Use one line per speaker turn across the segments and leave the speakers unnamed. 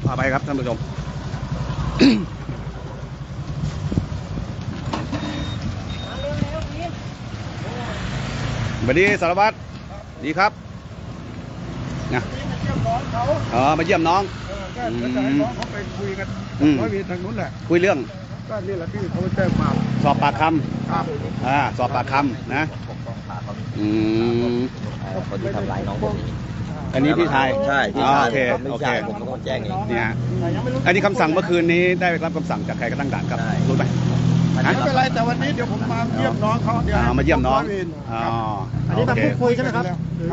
พาไปครับท่านผู้ชม สวัสดีสารวัตรดีครับนะมาเยี่ยมน้อง
ก็จะให้น้องเขาไปคุยกันร้อยเวรทางนู้นแหละ
คุยเรื่อง
ก็นี่แหละที่เขาแจ้งมา
สอบปากคำสอบปากคำนะ
คนที่ทำร้ายน้องผม
อันนี้พี่ชาย
ใช่พี่ชาย
โอเค
ผมเป็นคนแจ้งเอง
เนี่ยอันนี้คำสั่งเมื่อคืนนี้ได้รับคำสั่งจากใครก็ตั้งด่านครับรู้ไหม
ไม่เป็นไรแต่วันนี้เดี๋ยวผมมาเยี่ยมน้องเขาเดี๋ยว
มาเยี่ยมน้อง
อันนี้มาพูดคุยใช่ไหมครับ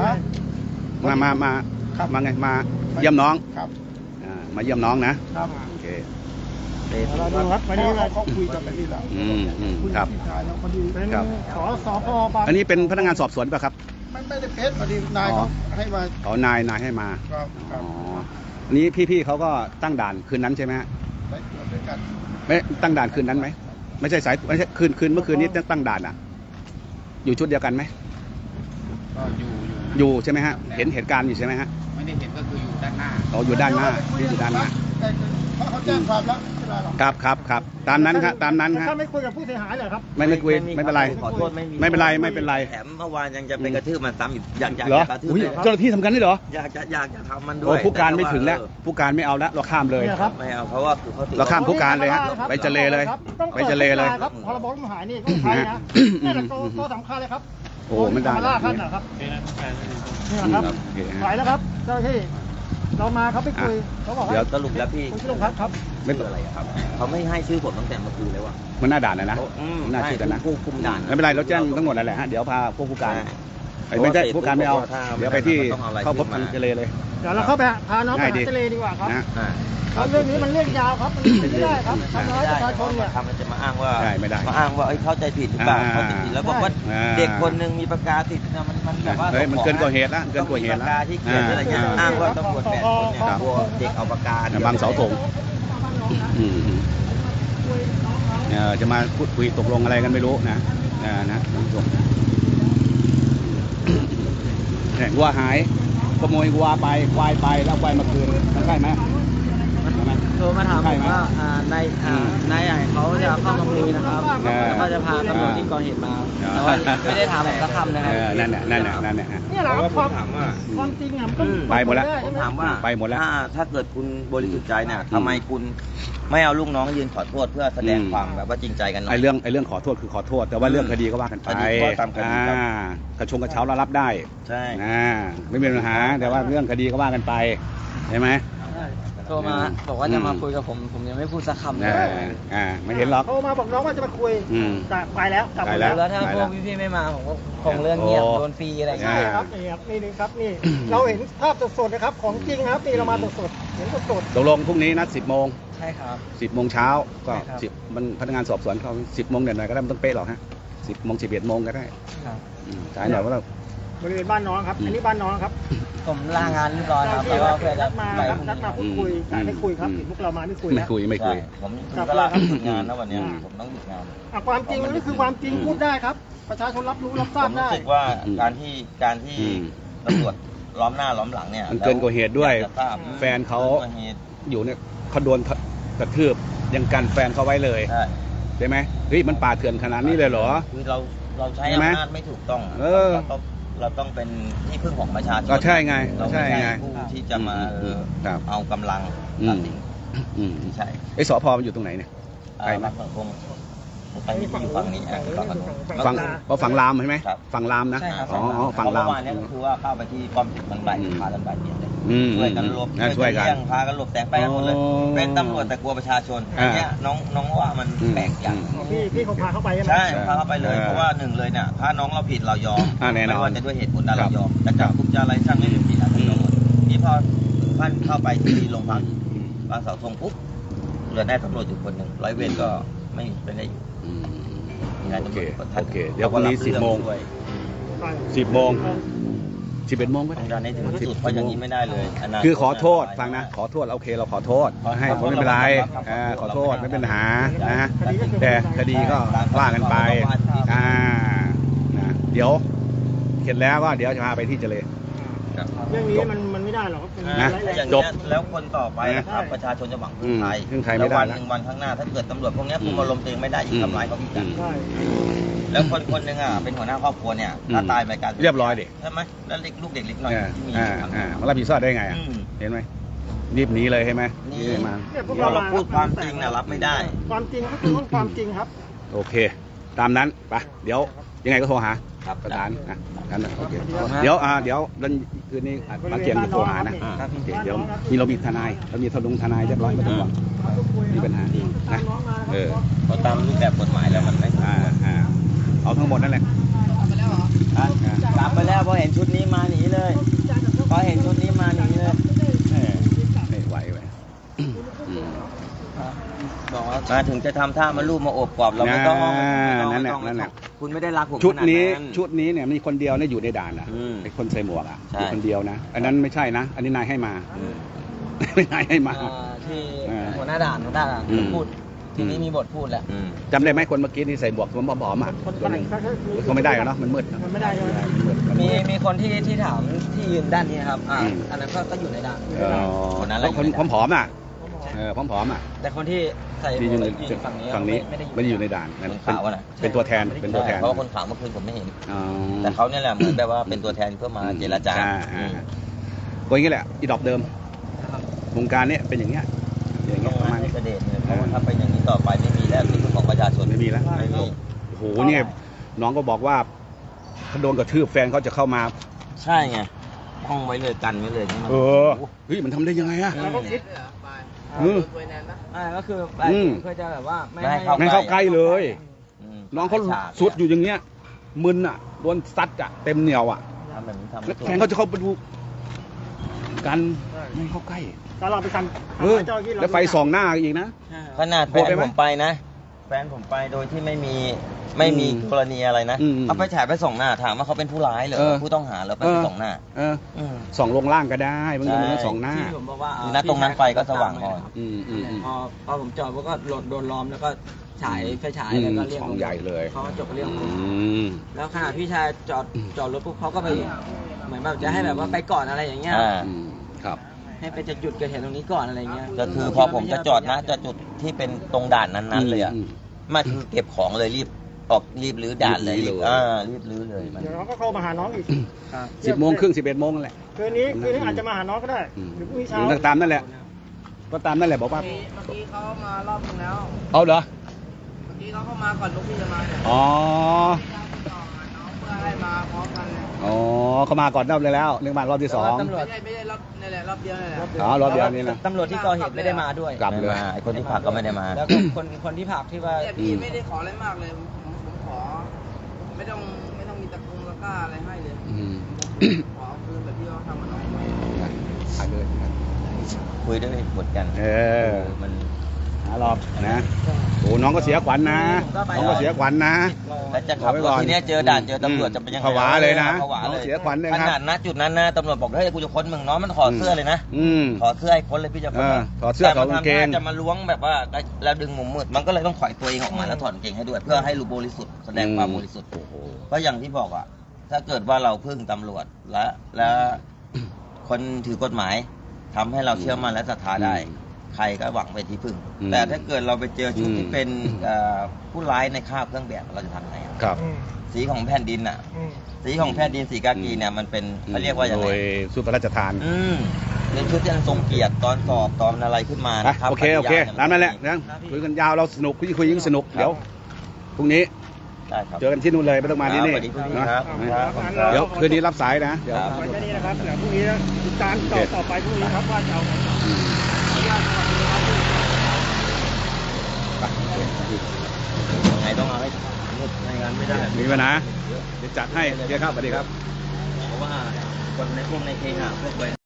มาไงมาเยี่ยมน้องมาเยี่ยมน้องนะครับโอเค
เราดูครับวันนี้เขาคุยกันแบบนี้แหละ
ครับ
ครับขอสพบาง
อันนี้เป็นพนักงานสอบสวนป่ะครับ
ไม่ได้เพชรพอดีนายเขาให้มา
นายให้มาอันนี้พี่เขาก็ตั้งด่านคืนนั้นใช่ไหมฮะไม่ตั้งด่านคืนนั้นไหมไม่ใช่ไม่ใช่คืนเมื่อคืนนี้ตั้งด่านอ่ะอยู่ชุดเดียวกันไหมอยู่ใช่ไหมฮะเห็นเหตุการณ์อยู่ใช่ไหมฮะ
ไม่ได้เห็นก็คืออยู่ด้านหน้า
อยู่ด้านหน้านี่อยู่ด้านหน้า
เขาแจ้งความแล้ว
ครับตามนั้นครับตามนั้นครับ
ถ้าไม่คุยกับผู้เสียหายเหรอครับ
ไม่คุยไม่เป็นไร
ขอโทษ
ไม่เป็นไร
แถมเมื่อวานยังจะไปกระทืบมันซ้ำอีกอยาก
กระทืบเจ้าหน้าที่ทำกันได้เหรอ
อยากจะทำมันด้วย
ผู้การไม่ถึงแล้วผู้การไม่เอาแล้วเราข้ามเลย
ไม่เอาเพราะว่า
เราข้ามผู้การเลยฮะไปเจเลเลยไปเจเลเลย
ครับพรบผู้หายนี่ต้องใช้นะนี่แหละตัวสำคัญเลยครับ
โอ้ไม่ได้
ล่าขั้นนะครับนี่นะครับไหวแล้วครับเจ้าหน้าที่เรามาเขาไปคุยเขาบอก
เดี๋ยวสรุปแล้วพี่
ที่โรงพักครับ
ไม่เป็นไร
ครับเขาไม่ให้ชื่อผมตั้งแต่เมื่อคืนเลยว่ะ
มันน่าด่านนะน่าชื่อกันนะ
ผู้คุมด่าน
ไม่เป็นไรเราแจ้งทั้งหมดนั่นแหละฮะเดี๋ยวพาพวกผู้การไม่ใช่ผู้การไม่เอาเดี๋ยวไปที่เข้าพบทางเจเลเลย
เดี๋ยวเราเข้าไปพาน้องไปเจเลดีกว่าครับเรื่องนี้มันเรื่องยาวครับมันไม่ได้ครับทำร้ายประชาชนเนี่ย
มันจะมาอ้างว่า
ไม่ได้
มาอ้างว่าเข้าใจผิดหรือเปล่าเข้าใจผิดแล้วบอกว่าเด็กคนหนึ่งมีปากกาติดมันแบบว่า
มันเกินกว่าเหตุแล้วเกินกว่าเหตุแล้ว
ที่เขียนอะไรเงี้ยอ้างว่าตำรวจ8 คนเนี่ยเด็กเอาปากกา
บางเสาธงจะมาพูดคุยตกลงอะไรกันไม่รู้นะท่านผู้ชมวัวหายขโมยวัวไปควายไปแล้วควายมาคืนมันใช่ไหม
โทรมาถามผมว่านายใหญ่เขาจะเข้ามาคุยนะครับแล้วก็จะพาตำรวจที่ก่อเหตุมาแต่ว่าไม่ได้ถามผมสักคำนะครับ
นั่นแหละ
นี่แหละความจริงอ่ะมัน
ไปหมดแล้ว
ผมถามว่า
ไปหมดแล้ว
ถ้าเกิดคุณบริสุทธิ์ใจเนี่ยทำไมคุณไม่เอาลูกน้องยืนขอโทษเพื่อแสดงความแบบว่าจริงใจกันหน่อย
ไอ้เรื่องขอโทษคือขอโทษแต่ว่าเรื่องคดีก็ว่ากันไปกระชงกระเช้าเรารับได้
ใช่
ไม่มีปัญหาแต่ว่าเรื่องคดีก็ว่ากันไปใช่ไหม
โทรมาบอกว่าจะมาคุยกับผมยังไม่พูดสักคำเลย
ไม่เห็นหรอก
โทรมาบอกน้องว่าจะมาคุยไปแล้วกลับไป
แล้วถ้าพวกพี่ๆไม่มาผมก็คงเรื่องเงียบโดนฟรีอะไร
ใช่ครับนี่ครับนี่เราเห็นภาพสดๆนะครับของจริงครับนี่เรามาสดๆเห็นสด
ตกลงพรุ่งนี้นัด10 โมง
ใช่ครับ
10 โมงเช้าก็10มันพนักงานสอบสวนเขา10 โมงเดี๋ยวหน่อยก็ได้ไม่ต้องเป๊ะหรอกฮะ10 โมง 11 โมงก็ได้สายหน่อยว่าเรา
บริเวณบ้านน้องครับอันนี้บ้านน้องครับ
ผมลางานเรียบร้อยครับแล้วก็เพื่อจะ
นัดมาพูดคุยแต่ไม่คุยครับพวกเรามาไม่คุย
ผมก็ลาหยุดงานนะวันนี้ผมต้องหยุดงาน
ความจริงนี่คือความจริงพูดได้ครับประชาชนรับรู้รับทราบได้
ผมรู้สึกว่าการที่ตำรวจล้อมหน้าล้อมหลังเนี่ย
มันเกินกว่าเหตุด้วยแฟนเขาอยู่เนี่ยเขาโดนกระทืบยังกันแฟนเขาไว้เลยใช่ไหมเฮ้ยมันป่าเถื่อนขนาดนี้เลยเหรอ
คือเราใช้อำนาจไม่ถูกต้องเราต้องเป็นที่พึ่งของประชาชน
ก็ใช่ไง
เราไม่ใช่ผู้ที่จะมาเอากำลังตัดสินใช่
ไอ้สพมันอยู่ตรงไหนเนี่ย
ไปมาคงไปอยู่ฝั่งนี้
ฝั่งลามใช่ไหมฝั่งลามนะฝั่งลาม
เนี่ยก็คือว่าเข้าไปที่ป้อมติดมันใบพากันใบเดียวเลยช่วยกันหลบช่วยกันพากันหลบแสงไปกันหมดเลยเป็นตำรวจแต่กลัวประชาชนอันนี้น้องว่ามันแปลกอย่าง
พี่เขาพาเข้าไป
ใช่พาเข้าไปเลยเพราะว่าหนึ่งเลยเนี่ยถ้าน้องเราผิดเรายอมไม่ว่าจะด้วยเหตุผลใดเรายอมแต่จับกุมจะอะไรช่างไม่ผิดนะทั้งหมดนี่พอท่านเข้าไปที่โรงพักบางเสาธงปุ๊บเหลือได้ตำรวจอยู่คนหนึ่งร้อยเวรก็ไม่ได้อยู่
โอเคเดี๋ยววันนี้10 โมง11 โมงก็ได้
ในถึงที่สุดเพราะอย่างนี้ไม่ได้เลย
คือขอโทษฟังนะขอโทษโอเคเราขอโทษให้ผมไม่เป็นไรขอโทษไม่เป็นปัญหานะแต่คดีก็ว่ากันไปนะเดี๋ยวเสร็จแล้วก็เดี๋ยวจะพาไปที่เจริญ
ครับ
เรื่องนี้มันไม่ได้หรอกครับ
นะ
อย่าง
จ
เงี้
บ
ยแล้วคนต่อไปนะครับประชาชนจะหวังพึ่งไทย
พึ่งไทยไม่ได้
แล้ววันหนึ่งวันข้างหน้าถ้าเกิดตำรวจพวกเนี้ยคุมอารมณ์ตัวเองไม่ได้อีกทำร้ายเขาอีกกัน
ใช่
แล้วคนคนหนึ่งอ่ะเป็นหัวหน้าครอบครัวเนี่ยถ้าตายไปการ
เรียบร้อยดิ
ใช่ไหมแล้วลูกเด็กเล็กน้อยที่มี
มารับผิดชอบได้ไงอ่ะ เห็นไหมรีบหนีเลยใช่ไหม
นี่
รีบมา
เราพูดความจริงนะรับไม่ได้
ความจริงก็คือความจริงครับ
โอเค ตามนั้นไปเดี๋ยวยังไงก็โทรหา
ครับ
ประธานนะกันนะโอเคเดี๋ยววันคืนนี้บางเกียงจะโทรหานะ
ครับ
โอเคเดี๋ยวเรามีทนายเรามีทนายเรียบร้อยไม่ต้องห่วงมีปัญหานะ
พอตามรูปแบบกฎหมายแล้วมันไม่
เอาทั้งหมดนั่นแหละ
กลับไปแล้วพอเห็นชุดนี้มาหนีเลยพอเห็นชุดนี้มาหนีเลย
ไม่ไหวไป
บอกว่ามาถึงจะทำท่ามาลูบมาโอบกอดเราไม่ต้อง
นั่นแหละ
คุณไม่ได้รักผม
ชุด
ขนา
นี้
นั้น
ชุดนี้เนี่ยมีคนเดียวเนี่ยอยู่ในด่านนะไอ้คนใส่หมวกอ่ะมีคนเดียวนะอันนั้นไม่ใช่นะ อันนี้นายให้มาไม่นายให้มา
ที่หัวหน้าด่านพูดทีนี้มีบทพูดแหละ
จำได้ไหมคนเมื่อกี้นี่ใส่หมวกผมผอมๆอ่ะตัวหนึงเขาไม่ได้หรอกเนาะมันมืด
มันไม่ได้ใช่ไหม
มีคนที่ถามที่ยืนด้านนี้ครับอันนั้นก็อยู่ในด่าน
คนนั้นแหละ
คนผอมๆอ่ะผอมๆอ่ะ
แต่คนที่ใส่
ที่อยู่ใน
ฝั่งนี้
ฝั่งนี้ไม่ได้อยู่ในด่าน
คนขาวอะนะ
เป็นตัวแทนเพ
ราะว่าคนขาวเมื่อคืนผมไม่เห็น
อ๋อ
แต่เขาเนี่ยแหละเหมือนแบบว่าเป็นตัวแทนเพื่อมาเจรจา
ก็อย่างนี้แหละอีดอกเดิมวงการเนี้ยเป็นอย่างเงี้ยอย่าง
ต้
เงี้
อย ง
ประ
มา
มาณ
ให้
นี้
เสด็จเนี่ยเพราะว่าถ้าเป็นอย่างนี้ต่อไปไม่มีแล้วที่พึ่งของประชาชน
ไม่มีแล้ว
ไม่มี
โอ้โหเนี่ยน้องก็บอกว่าเขาโดนกระทืบแฟนเขาจะเข้ามา
ใช่ไงห้องไว้เลยกันไว้เลยนี่มัน
เฮ้ยมันทำได้ยังไงอะ
เราก็คิด
ก็คือเพื่อจะแบบว่าไม่
ไม่เข้าใกล้เลย
อืม
น้องเขาสุดอยู่อย่างเงี้ยมึนอ่ะโดนซัดอ่ะเต็มเหนียวอ่ะ
ทำแบบนี้ทำ
แล้
ไม่
ว
ถูก
แฟนเขาจะเข้าไปดูกันไม่เข้าใกล้
แต่เราไปทำเจ้าที่เรา
แล้วไฟส่องหน้าอีกนะ
ขนาดแฟ
โหด
น
ไปไหม
ผมไปนะแฟนผมไปโดยที่ไม่มีกรณีอะไรนะ
อืม
เอาไปฉายไปส่องหน้าถามว่าเขาเป็นผู้ร้ายเหรอ
เออ
ผู้ต้องหาเหรอไปส่องหน้า ม
ส่องลงล่างก็ได้บางทีมันส่องหน้า
ที่ผมบอกว่า
ณตรงนั้นไฟก็สว่างอ่อน
พอผมจอดก็โดนล้อมแล้วก็ฉายไฟฉายแล้วก็เรียก
ช่องใหญ่เลย
เขาก็จบเรื่อง
อืม
แล้วขณะพี่ชายจอดรถปุ๊บเขาก็ไปเหมือนแบบจะให้แบบว่าไปก่อนอะไรอย่างเงี้ย
ครับ
ให้ไปจุดเกิดเหตุตรงนี้ก่อนอะไรเงี้ย
ก็คือพอผมจะจอดนะจะจุดที่เป็นตรงด่านนั้นๆเลยอ่ะมาคือเก็บของเลยรีบรื้อด่านเลย
รีบรื้อเลย
รีบรื้อเลยมัน
เดี๋ยวเราก็เข้ามาหาน้องอีก
10:30 11:00นั่นแหละ
คืนนี้อาจจะมาหาน้องก็ได้หรือพรุ่งนี้เช้า
หรือตามนั่นแหละ ก็ตามนั่นแหละบอกว่า
เมื่อกี้เขามารอบนึงแล้ว
เอาเหรอ
เมื่อกี้เขาเข้ามาก่อนลูกพี่จะมาเนี่ย
อ๋อ
น้องเพื่อให้มาพร้อมกันเลย
อ๋อเขามาก่อนรอบเลยแล้วนึกมารอบที่ 2
ตำรวจไม่ได้รอบนี่แหละรอบเดียวนี่แหละ
อ๋อรอบเดียวนี่นะ
ตำรวจที่ก่อเหตุไม่ได้มาด้วย
กลับเลย
ไม่มาไอ้คนที่ผักก็ไม่ได้มา
แล้วก็คนที่ผักที่ว่า
พี่ไม่ได้ขออะไรมากเลย ผมขอ ไม่ต้องมีตะกงตะกร้าอะไรให้เลย ขอเอาคืนแบบที่เขาทำกับน้องไว้
ไปเลย
คุยด้วยเหตุผลกัน มัน
หารอบนะโอ้น้องก็เสียขวัญนะน้องก็เสียขวัญนะ
แล้วจะขับรถทีเนี้ยเจอด่านเจอตำรวจจะเป็นยังไง
ผวาเลยนะ
ผวาเลย
เสียขวัญเลย
ข
ครับ
นาดณจุดนั้นนะตำรวจบอกเฮ้ยกูจะค้นมึงน้องมันถอดเสื้อเลยนะ ถอดเสื้อให้ค้นเลยพี่จะค้น
ถอดเสื้อถอดกางเกง
แต่มันทำท่าจะมาล้วงแบบว่าแล้วดึงมุมมืดมันก็เลยต้องถอยตัวเองออกมาแล้วถอดกางเกงให้ด้วย เพื่อให้รู้บริสุทธิ์แสดงความบริสุทธิ์เพราะอย่างที่บอกอ่ะถ้าเกิดว่าเราพึ่งตำรวจและคนถือกฎหมายทำให้เราเชื่อมั่นและศรัทธาได้ ใครก็หวังไปที่พึ่ง แต่ถ้าเกิดเราไปเจอชุดที่เป็นผู้ร้ายในคราบเครื่องแบบเราจะทำไงอะ
ครับ
สีของแผ่นดินอ่ะ สีของแผ่นดินสีกากีเนี่ยมันเป็นเขาเรียกว่าอย่าง
โด
ไร
ยสุพระราชทาน
เป็นชุดที่อันทรงเกียรติตอนสอบตอนอะไรขึ้นมานะครับ
โอเคตามนั่นแหละนะคุยกันยาวเราสนุกคุยยิ่งสนุกเดี๋ยวพรุ่งนี้
ได้ครับ
เจอกันที่นู่นเลยไม่ต้องมาที่นี่
สวัสดีพี่
นะครับ
ครับ
เดี๋ยวคืนนี้รับสายนะเดี๋ยว
ไว้แค่นี้นะครับเดี๋ยวพรุ่งนี้ติดตามต่อไปพรุ่งนี้ครับว่าจะเอาไง
ยังไงต้องเอาให้ในงานไม่ได้
มีปัญหาเดี๋ยวจัดให้เดี๋ยวครับสวัสดีครับ
เพราะว่าคนในพวกในเคหะพวก